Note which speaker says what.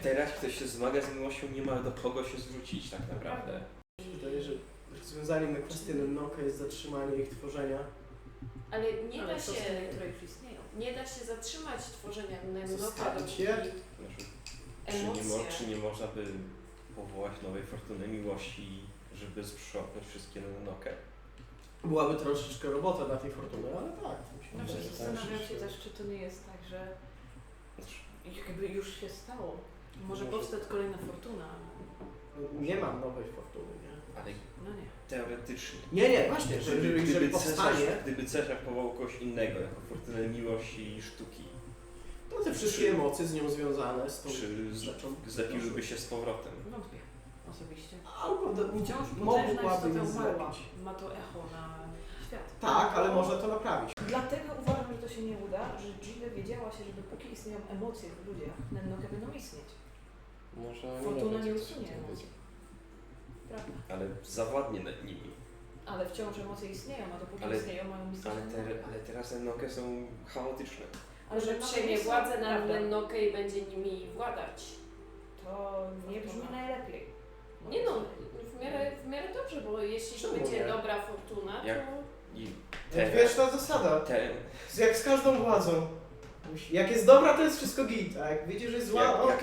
Speaker 1: teraz ktoś się zmaga z miłością, nie ma do kogo się zwrócić tak naprawdę.
Speaker 2: Wydaje, że rozwiązaniem na kwestię Nennoka jest zatrzymanie ich tworzenia.
Speaker 3: Ale nie da się,
Speaker 4: które już istnieją.
Speaker 3: nie da się zatrzymać tworzenia Nennoka,
Speaker 2: Zostawić
Speaker 3: dopóki
Speaker 2: je?
Speaker 1: Znaczy,
Speaker 3: emocje...
Speaker 1: czy nie można by powołać nowej fortuny miłości, żeby sprzątnąć wszystkie Nennokę?
Speaker 2: Byłaby troszeczkę robota dla tej fortuny, ale tak. Myślę,
Speaker 4: Dobrze,
Speaker 2: że
Speaker 4: zastanawiam
Speaker 2: tak,
Speaker 4: się
Speaker 2: że-
Speaker 4: też, czy to nie jest tak, że
Speaker 1: Znaczy,
Speaker 4: jakby już się stało. Może
Speaker 2: Może-
Speaker 4: powstać kolejna fortuna.
Speaker 2: Nie mam nowej fortuny, nie?
Speaker 1: ale
Speaker 4: No nie.
Speaker 1: teoretycznie.
Speaker 2: Nie, właśnie, że jeżeli powstanie,
Speaker 1: Gdyby Cezar powołał kogoś innego jako fortunę miłości i sztuki,
Speaker 2: to te wszystkie emocje z nią związane z tą
Speaker 1: czy
Speaker 2: rzeczą
Speaker 1: zapiłyby się z powrotem?
Speaker 4: Wątpię osobiście.
Speaker 2: albo
Speaker 4: Wciąż potężna
Speaker 2: mogłaby
Speaker 4: istota
Speaker 2: je
Speaker 4: umarła.
Speaker 2: zlepić.
Speaker 4: Ma to echo na świat.
Speaker 2: Tak, ale można to naprawić.
Speaker 4: Dlatego uważam, że to się nie uda, że Jill wiedziała się, że dopóki istnieją emocje w ludziach, Nennoke będą istnieć.
Speaker 5: Może
Speaker 4: Fortuna nie
Speaker 5: wiedzieć,
Speaker 4: usunie
Speaker 5: co to
Speaker 4: emocji. Prawda.
Speaker 1: Ale zawładnie nad nimi.
Speaker 4: Ale wciąż emocje istnieją, a dopóki
Speaker 1: Ale-
Speaker 4: istnieją, mają istnieć.
Speaker 1: Ale teraz Nennoke są chaotyczne.
Speaker 4: Ale
Speaker 3: Że
Speaker 4: Nennoke
Speaker 3: przejmie
Speaker 4: nie są-
Speaker 3: władzę nad
Speaker 4: prawda.
Speaker 3: Nennoke i będzie nimi władać.
Speaker 4: To nie brzmi najlepiej.
Speaker 3: Nie no, w miarę dobrze, bo jeśli to
Speaker 2: Czemu
Speaker 3: będzie
Speaker 2: nie?
Speaker 3: dobra fortuna,
Speaker 1: Jak-
Speaker 3: to...
Speaker 1: I
Speaker 2: Wieczna zasada.
Speaker 1: te,
Speaker 2: Jak z każdą władzą. Jak jest dobra, to jest wszystko git, a jak widzisz, że jest zła,
Speaker 1: jak